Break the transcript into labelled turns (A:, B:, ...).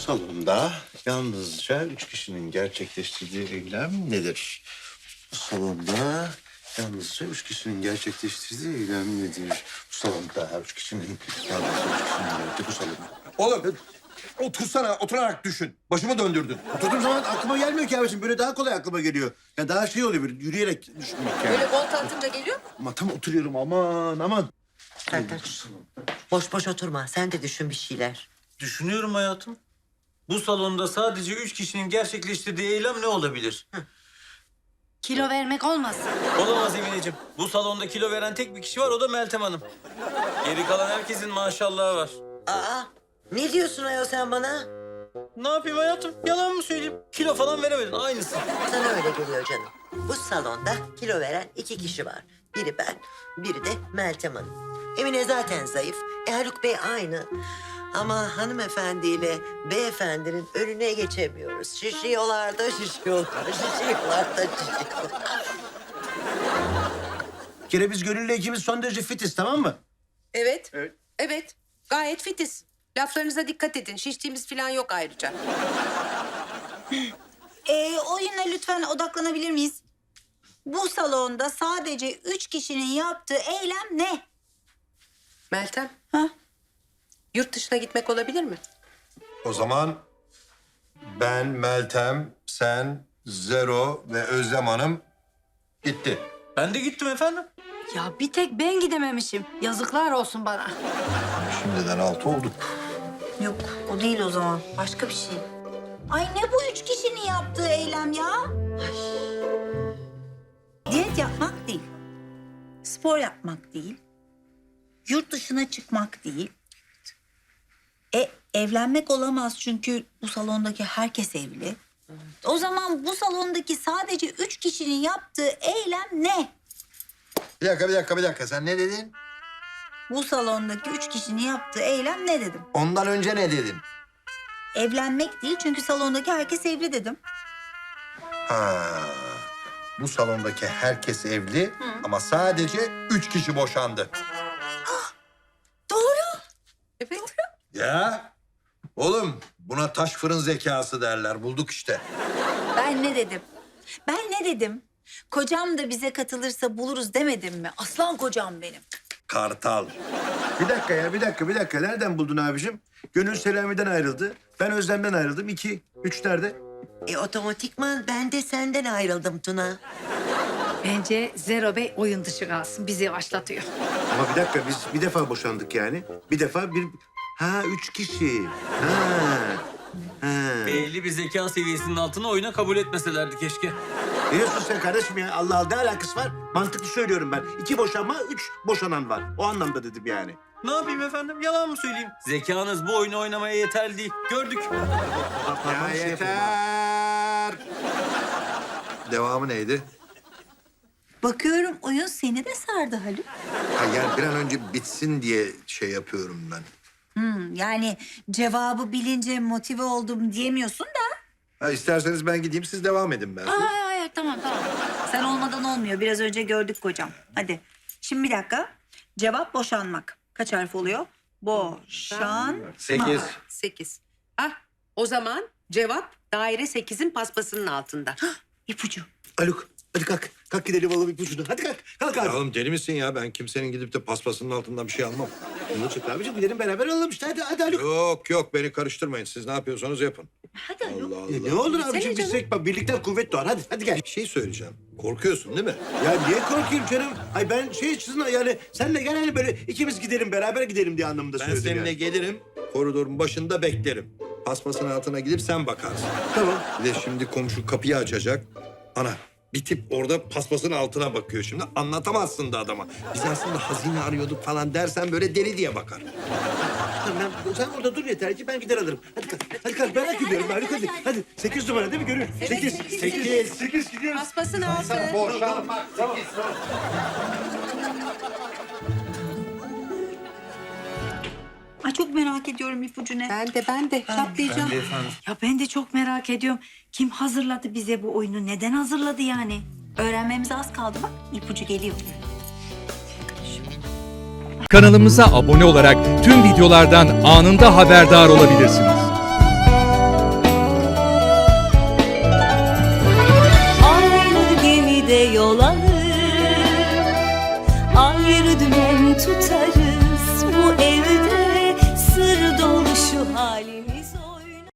A: salonda yalnızca 3 kişinin gerçekleştirdiği eylem nedir? Bu salonda yalnızca 3 kişinin gerçekleştirdiği eylem nedir? Bu salonda 3 kişinin yalnızca 3 kişinin yaptığı bu salonda.
B: Oğlum otursana, oturarak düşün. Başımı döndürdün.
A: Oturduğum zaman aklıma gelmiyor ki abiciğim. Böyle daha kolay aklıma geliyor. Yani daha şey oluyor böyle yürüyerek düşünmek yani.
C: Böyle volta atınca geliyor mu?
A: Ama tam oturuyorum aman.
D: Sertaç, boş boş oturma. Sen de düşün bir şeyler.
E: Düşünüyorum hayatım. Bu salonda sadece 3 kişinin gerçekleştirdiği eylem ne olabilir?
C: Kilo vermek olmasın.
E: Olamaz Emineciğim. Bu salonda kilo veren tek bir kişi var, o da Meltem Hanım. Geri kalan herkesin maşallahı var.
D: Aa, ne diyorsun ayol sen bana?
E: Ne yapayım hayatım? Yalan mı söyleyeyim? Kilo falan veremedin, aynısı.
D: Sana öyle geliyor canım. Bu salonda kilo veren 2 kişi var. Biri ben, biri de Meltem Hanım. Emine zaten zayıf. Haluk Bey aynı. Ama hanımefendiyle beyefendinin önüne geçemiyoruz. Şişiyorlar da şişiyorlar, şişiyorlar da şişiyorlar.
A: Bir kere biz Gönül'le ikimiz son derece fitiz, tamam mı?
C: Evet. Evet. Gayet fitiz. Laflarınıza dikkat edin. Şiştiğimiz falan yok ayrıca.
F: Oyuna lütfen odaklanabilir miyiz? Bu salonda sadece 3 kişinin yaptığı eylem ne?
C: Meltem.
F: Ha?
C: Yurt dışına gitmek olabilir mi?
B: O zaman ben, Meltem, sen, Zero ve Özlem Hanım gitti.
E: Ben de gittim efendim.
F: Ya bir tek ben gidememişim. Yazıklar olsun bana.
B: Şimdiden 6 olduk.
F: Yok o değil o zaman. Başka bir şey. Ay ne bu 3 kişinin yaptığı eylem ya? Diyet yapmak değil. Spor yapmak değil. Yurt dışına çıkmak değil. Evlenmek olamaz çünkü bu salondaki herkes evli. O zaman bu salondaki sadece 3 kişinin yaptığı eylem ne?
B: Bir dakika. Sen ne dedin?
F: Bu salondaki 3 kişinin yaptığı eylem ne dedim?
B: Ondan önce ne dedin?
F: Evlenmek değil çünkü salondaki herkes evli dedim.
B: Ha, bu salondaki herkes evli ama sadece 3 kişi boşandı.
F: Doğru.
C: Evet.
B: Ya oğlum buna taş fırın zekası derler. Bulduk işte.
F: Ben ne dedim? Kocam da bize katılırsa buluruz demedim mi? Aslan kocam benim.
B: Kartal.
A: Bir dakika. Nereden buldun abicim? Gönül Selami'den ayrıldı. Ben Özlem'den ayrıldım. 2, 3 nerede?
D: Otomatikman ben de senden ayrıldım Tuna.
G: Bence Zero Bey oyun dışı kalsın. Bizi yavaşlatıyor.
A: Ama bir dakika biz bir defa boşandık yani. Bir defa bir... Ha 3 kişi. Ha.
E: Belli bir zeka seviyesinin altına oyuna kabul etmeselerdi keşke.
A: Ne diyorsun sen kardeşim ya? Allah Allah ne alakası var? Mantıklı söylüyorum ben. 2 boşanma, 3 boşanan var. O anlamda dedim yani.
E: Ne yapayım efendim? Yalan mı söyleyeyim? Zekanız bu oyunu oynamaya yeterli değil. Gördük.
B: Ya yeter. Devamı neydi?
F: Bakıyorum oyun seni de sardı Haluk.
B: Ha, yani bir an önce bitsin diye şey yapıyorum ben.
F: Yani cevabı bilince motive oldum diyemiyorsun da.
B: Ha, isterseniz ben gideyim siz devam edin ben.
F: Hayır tamam. Sen olmadan olmuyor. Biraz önce gördük kocam. Hadi. Şimdi bir dakika. Cevap boşanmak. Kaç harf oluyor? Boşan.
B: 8.
C: 8. O zaman cevap daire 8'in paspasının altında.
F: İpucu.
A: Haluk hadi kalk. Kalk gidelim alalım ipucunu. Hadi kalk. Kalk abi.
B: Ya oğlum deli misin ya? Ben kimsenin gidip de paspasının altından bir şey almam.
A: Ne çıktı abicim? Gidelim beraber alalım işte. Hadi Haluk.
B: Yok beni karıştırmayın. Siz ne yapıyorsanız yapın.
F: Hadi Haluk.
B: Allah Allah.
A: Ne olur
C: Seni
A: abicim
C: canım.
A: biz birlikten kuvvet doğar. Hadi gel.
B: Bir şey söyleyeceğim. Korkuyorsun değil mi?
A: Ya niye korkayım canım? Ay ben sizin yani senle gel hani böyle ikimiz gidelim beraber gidelim diye anlamında
B: Ben
A: söyledim
B: seninle
A: yani.
B: gelirim. Koridorun başında beklerim. Paspasın altına gidip sen bakarsın.
A: Tamam.
B: Bir de şimdi komşu kapıyı açacak. Ana bir tip orada paspasın altına bakıyor şimdi. Anlatamazsın da adama. Biz aslında hazine arıyorduk falan dersen böyle deli diye bakar.
A: Tamam sen orada dur yeter ki ben gider alırım. Hadi kalk merak ediyorum Haluk hadi. Hadi 8 numara değil mi Gönül? 8 gidiyoruz.
C: Paspasın altı.
F: Ay çok merak ediyorum ipucu ne?
C: Ben de çatlayacağım.
F: Ya ben de çok merak ediyorum. Kim hazırladı bize bu oyunu? Neden hazırladı yani? Öğrenmemize az kaldı bak. İpucu geliyor.
H: Kanalımıza abone olarak tüm videolardan anında haberdar olabilirsiniz. tutarım